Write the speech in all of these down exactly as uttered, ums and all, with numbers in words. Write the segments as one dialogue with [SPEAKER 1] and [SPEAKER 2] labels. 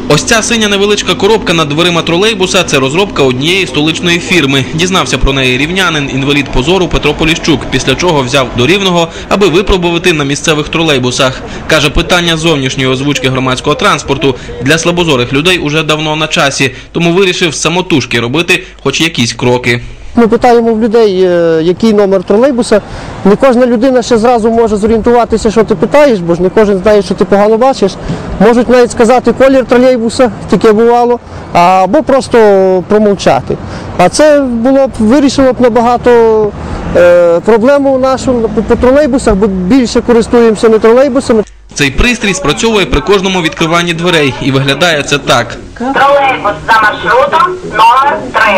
[SPEAKER 1] Ось ця синя невеличка коробка над дверима тролейбуса – це розробка однієї столичної фірми. Дізнався про неї рівнянин, інвалід по зору Петро Поліщук, після чого взяв до Рівного, аби випробувати на місцевих тролейбусах. Каже, питання зовнішньої озвучки громадського транспорту для слабозорих людей уже давно на часі, тому вирішив самотужки робити хоч якісь кроки.
[SPEAKER 2] Ми питаємо в людей, який номер тролейбуса. Не кожна людина ще зразу може зорієнтуватися, що ти питаєш, бо ж не кожен знає, що ти погано бачиш. Можуть навіть сказати колір тролейбуса, таке бувало, або просто промовчати. А це було б, вирішило б набагато е, проблему нашу по тролейбусах, бо більше користуємося не тролейбусами.
[SPEAKER 1] Цей пристрій спрацьовує при кожному відкриванні дверей і виглядає це так.
[SPEAKER 3] Тролейбус за маршрутом номер три.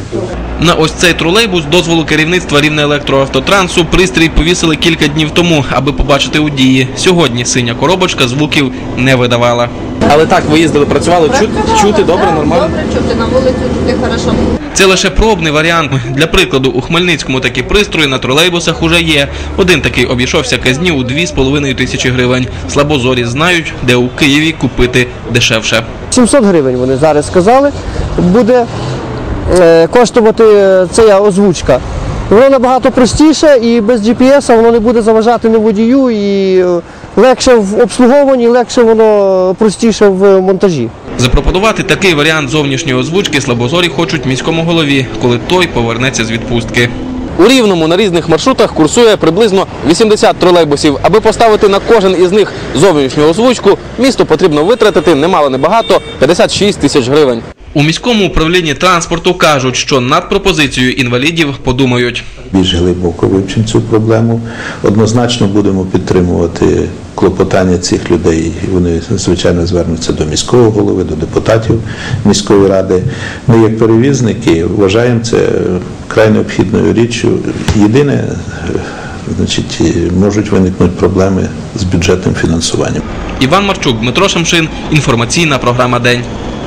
[SPEAKER 1] На ось цей тролейбус дозволу керівництва Рівнеелектроавтотрансу пристрій повісили кілька днів тому, аби побачити у дії. Сьогодні синя коробочка звуків не видавала.
[SPEAKER 4] Але так, ви їздили, працювали, чути, чути добре, нормально?
[SPEAKER 5] Добре чути, на вулицю туди хорошо.
[SPEAKER 1] Це лише пробний варіант. Для прикладу, у Хмельницькому такі пристрої на тролейбусах уже є. Один такий обійшовся казні у дві з половиною тисячі гривень. Слабозорі знають, де у Києві купити дешевше.
[SPEAKER 2] сімсот гривень вони зараз сказали, буде коштувати ця озвучка. Воно набагато простіше і без джі пі ес воно не буде заважати не водію, і легше в обслуговуванні, легше воно простіше в монтажі.
[SPEAKER 1] Запропонувати такий варіант зовнішньої озвучки слабозорі хочуть міському голові, коли той повернеться з відпустки.
[SPEAKER 4] У Рівному на різних маршрутах курсує приблизно вісімдесят тролейбусів. Аби поставити на кожен із них зовнішню озвучку, місту потрібно витратити немало небагато – п'ятдесят шість тисяч гривень.
[SPEAKER 1] У міському управлінні транспорту кажуть, що над пропозицією інвалідів подумають.
[SPEAKER 6] Більш глибоко вивчимо цю проблему. Однозначно будемо підтримувати клопотання цих людей. Вони, звичайно, звернуться до міського голови, до депутатів міської ради. Ми, як перевізники, вважаємо це край необхідною річчю. Єдине, значить, можуть виникнути проблеми з бюджетним фінансуванням.
[SPEAKER 1] Іван Марчук, Дмитро Шамшин. Інформаційна програма «День».